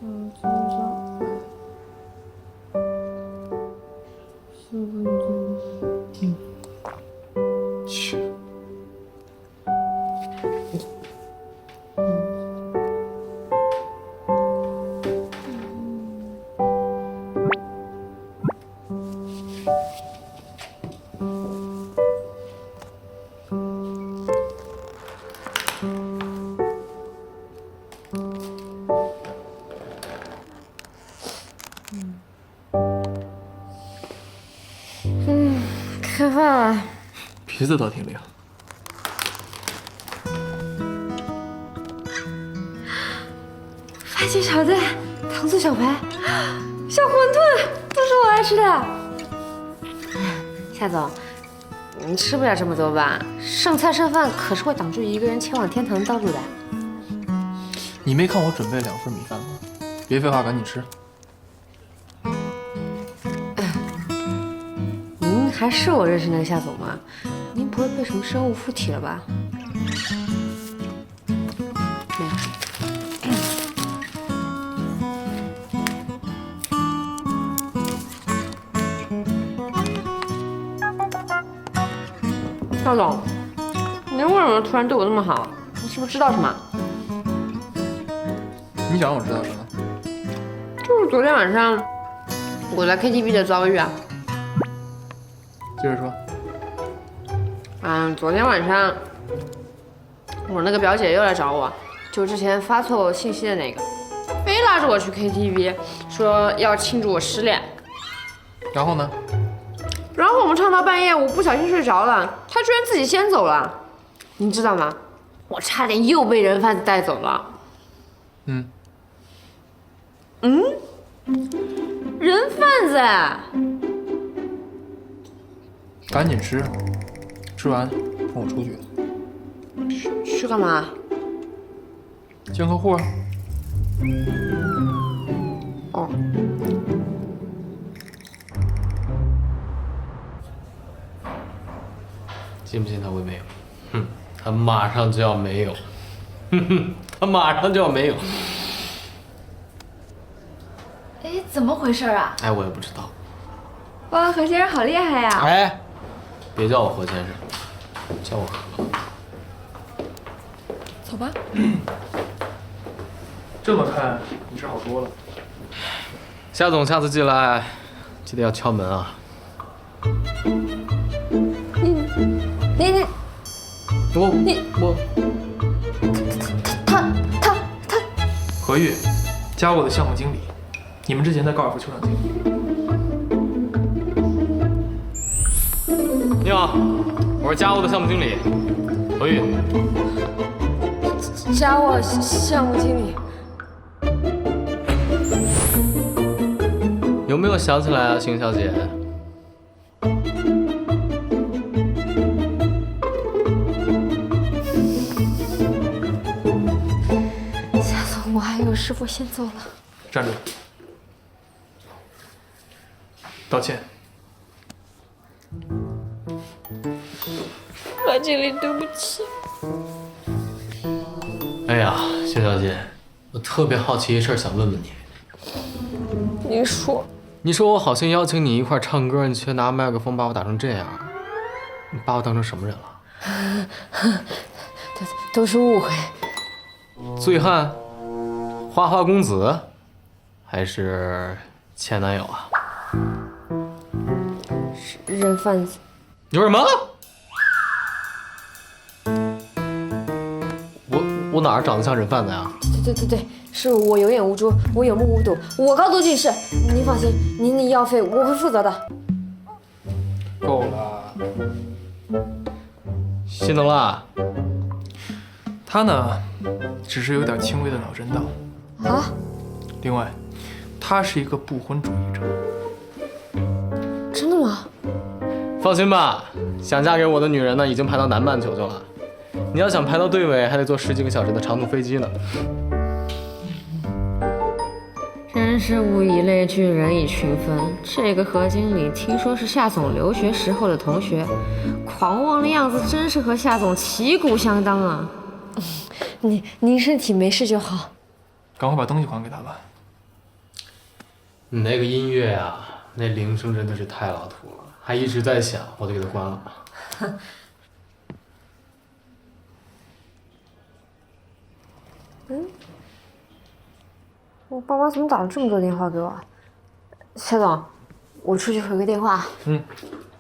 今早15分钟。 去。 开饭了。 鼻子倒挺灵。 番茄炒蛋、糖醋小排、小馄饨，都是我爱吃的。夏总，你吃不了这么多吧？剩菜剩饭可是会挡住一个人前往天堂的道路的。 你没看我准备2份米饭吗？别废话，赶紧吃。 您还是我认识那个夏总吗？您不会被什么生物附体了吧？没有。夏总，您为什么突然对我那么好？你是不是知道什么？ 你想让我知道什么？ 就是昨天晚上我在 KTV 的遭遇啊。 接着说。 昨天晚上我那个表姐又来找我，就之前发错信息的那个，非拉着我去 KTV， 说要庆祝我失恋。 然后呢？ 然后我们唱到半夜，我不小心睡着了，她居然自己先走了。你知道吗？我差点又被人贩子带走了。人贩子？ 赶紧吃，吃完跟我出去。 去干嘛？ 见客户啊。 哦。 信不信他会没有？哼，他马上就要没有。哼哼，他马上就要没有。 哎，怎么回事啊？ 哎，我也不知道。 哇，何先生好厉害呀！ 哎，别叫我何先生，叫我何。 走吧。 这么看，你是好多了。 夏总，下次进来记得要敲门啊。 他， 何玉，加我的项目经理。你们之前在高尔夫球场见过。 你好，我是家务的项目经理何玉。 加我项目经理。 有没有想起来啊，邢小姐？ 夏总，我还有事，我先走了。 站住！道歉。 何经理，对不起。 哎呀，邢小姐，我特别好奇一事，想问问你。 您说。 你说我好心邀请你一块唱歌，你却拿麦克风把我打成这样，你把我当成什么人了？ 都是误会。 醉汉、花花公子，还是前男友啊？ 是人贩子。 你说什么？我哪儿长得像人贩子呀？ 对，是我有眼无珠，我有目无睹，我高度近视。您放心，您的医药费我会负责的。 够了。 心疼了？ 他呢，只是有点轻微的脑震荡。 啊？ 另外，他是一个不婚主义者。 真的吗？ 放心吧，想嫁给我的女人呢，已经排到南半球去了。你要想排到队尾，还得坐10几个小时的长途飞机呢。 真是物以类聚，人以群分。这个何经理听说是夏总留学时候的同学，狂妄的样子真是和夏总旗鼓相当啊！您身体没事就好。 赶快把东西还给他吧。 你那个音乐啊，那铃声真的是太老土了，还一直在响，我就给它关了。 我爸妈怎么打了这么多电话给我？夏总，我出去回个电话。 嗯。